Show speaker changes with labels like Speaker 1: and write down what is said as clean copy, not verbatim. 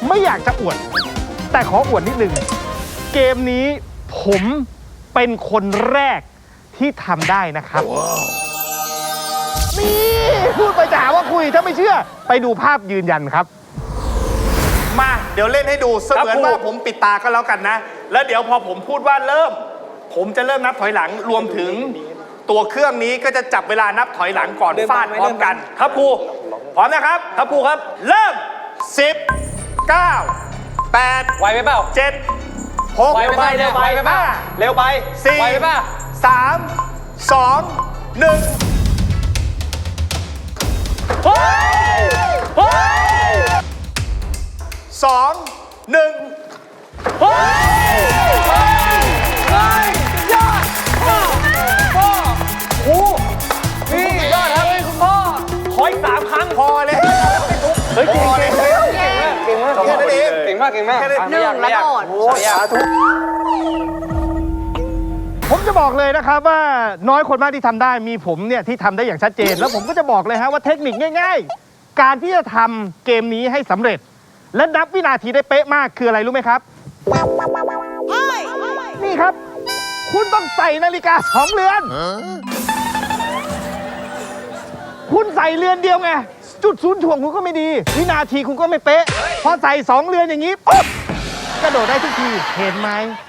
Speaker 1: ไม่อยากจะอวด แต่ขออวดนิดนึงเกมนี้ผมเป็นคนแรกที่ทำได้นะครับ นี่พูดไปจะหาว่าคุยถ้าไม่เชื่อไปดูภาพยืนยันครับ
Speaker 2: มาเดี๋ยวเล่นให้ดูเสมือนว่าผมปิดตาก็แล้วกันนะ แล้วเดี๋ยวพอผมพูดว่าเริ่ม ผมจะเริ่มนับถอยหลังรวมถึงตัวเครื่องนี้ก็จะจับเวลานับถอยหลังก่อนฟาดพร้อมกันครับครูพร้อมนะครับครับครูครับเริ่ม10 9 8
Speaker 3: ไวไปเปล่า
Speaker 2: 7 6
Speaker 3: ไวไปเร็วไปไปเปล่าเร็วไป
Speaker 2: 4
Speaker 3: ไวไปเปล่า
Speaker 2: 3 2 1
Speaker 3: เฮ้ยเฮ้ย
Speaker 2: 2 1
Speaker 3: เฮ้ยเฮ้ยยอดพ่อครูนี่ยอดครับคุณพ่อขออีก3 ครั้ง
Speaker 2: พอเลย
Speaker 3: เฮ้ยเก่งเก่งมาก
Speaker 2: แค่นั้นเอง
Speaker 3: เก่งมากเก่งมาก
Speaker 2: แค่นั้น
Speaker 4: หนึ่งแล้วโดด
Speaker 3: โอ้สาธุ
Speaker 1: ผมจะบอกเลยนะครับว่าน้อยคนมากที่ทำได้มีผมเนี่ยที่ทำได้อย่างชัดเจน แล้วผมก็จะบอกเลยฮะว่าเทคนิคง่ายๆ การที่จะทำเกมนี้ให้สำเร็จ และนับวินาทีได้เป๊ะมากคืออะไรรู้ไหมครับ นี่ครับ คุณต้องใส่นาฬิกา2 เรือน คุณใส่เรือนเดียวไง จุดศูนย์ถ่วงคุณก็ไม่ดี วินาทีคุณก็ไม่เป๊ะ พอใส่2 เรือนอย่างนี้ปุ๊บกระโดดได้ทุกทีเห็นไหม